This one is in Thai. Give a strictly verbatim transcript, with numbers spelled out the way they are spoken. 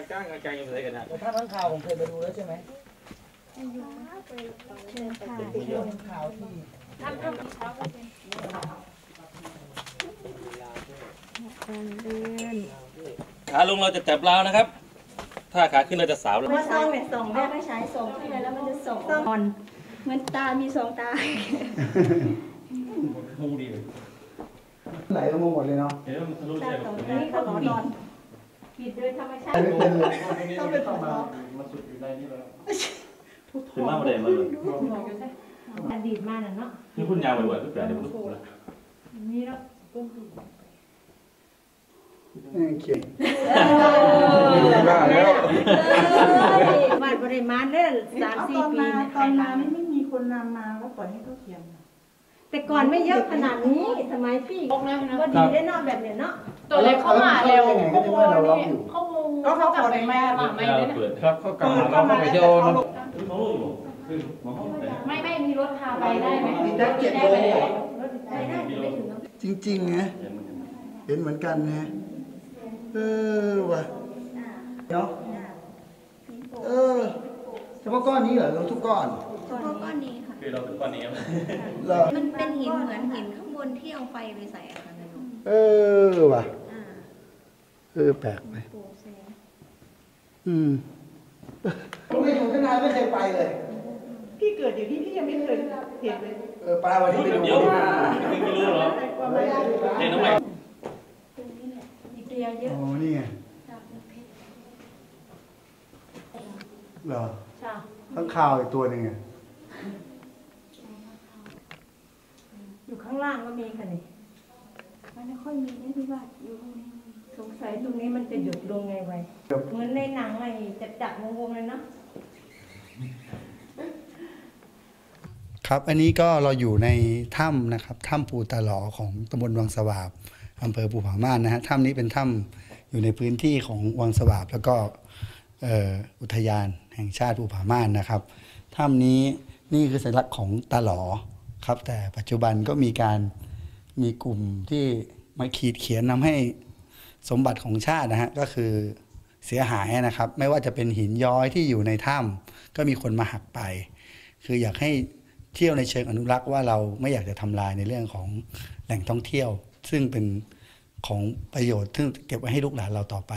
ก้างกางยังไงกันนะถ้าทั้งข่าวผมเคยไปดูแล้วใช่ไหมเชิญค่ะเป็นเรื่องข่าวที่ทำทำเช้าก็เป็นเดือนขาลงเราจะจับราวนะครับถ้าขาขึ้นเราจะสาวแล้วมาส่งเนี่ยส่งแม่ไม่ใช้ส่งที่ไหนแล้วมันจะส่งนอนเหมือนตามีสองตามุงดีเลยไหลลงมาหมดเลยเนาะเดี๋ยวมันทะลุใช่ไหมนี่เขานอนนอนผิดโดยธรรมชาติไม่เป็นเลยต้องเป็นของเรามาสุดอยู่ในนี้แล้วถึงมากประเดี๋ยวมาเลยอดีตมาน่ะเนาะนี่คุณยาวบ่อยๆก็แปลเดี๋ยวมันลุกแล้วนี่แล้วเขียนบ้าแล้วบ้านบริมาณเนี่ยสามสี่ปีตอนมาไม่มีคนนำมาแล้วปล่อยให้เขาเขียนแต่ก่อนไม่เยอะขนาดนี้สมัยพี่ก็ดีได้นอกแบบเนี้ยเนาะตัวเล็กเข้ามาเร็วเขาโมนี่เขาโมก็เขากลับไปแม่หลังไม่ได้ครับเขากลับมาเราไปเที่ยวไม่ไม่มีรถพาไปได้ไหมได้เจ็ดโลไปได้ไปถึงแล้วจริงๆนะเห็นเหมือนกันนะเออว่ะเนาะเออเฉพาะก้อนนี้เหรอเราทุกก้อนเฉพาะก้อนนี้ค่ะคือเราถึงก้อนนี้มันเป็นหินเหมือนหินข้างบนที่เอาไฟไปใส่อะค่ะลุงเออว่ะเออแปลกไปอืมผมไปอยู่ข้างในไม่เคยไปเลยพี่เกิดอยู่ที่พี่ยังไม่เคยเห็นเลยเออปลาวันนี้ไปดูเดี๋ยวไม่รู้หรอเห็นน้องใหม่เดียวเยอะโอ้นี่ไงเหรอข้างข่าวอีกตัวหนึ่งไงอยู่ข้างล่างก็มีค่ะนี่มันไม่ค่อยมีนะพี่ว่าอยู่ตรงนี้สงสัยตรงนี้มันจะหยุดลงไงไว้เหมือนในหนังไอ้จับจับวงๆเลยเนาะครับอันนี้ก็เราอยู่ในถ้ำนะครับถ้ำปูตาหลอของตำบลวังสวาบอำเภอภูผาม่านนะฮะถ้ำนี้เป็นถ้ำอยู่ในพื้นที่ของวังสวาบแล้วก็อุทยานแห่งชาติภูผาม่านนะครับถ้ำนี้นี่คือสัญลักษณ์ของตาหลอครับแต่ปัจจุบันก็มีการมีกลุ่มที่มาขีดเขียนนำให้สมบัติของชาตินะฮะก็คือเสียหายนะครับไม่ว่าจะเป็นหินย้อยที่อยู่ในถ้ำก็มีคนมาหักไปคืออยากให้เที่ยวในเชิงอนุรักษ์ว่าเราไม่อยากจะทำลายในเรื่องของแหล่งท่องเที่ยวซึ่งเป็นของประโยชน์ซึ่งเก็บไว้ให้ลูกหลานเราต่อไป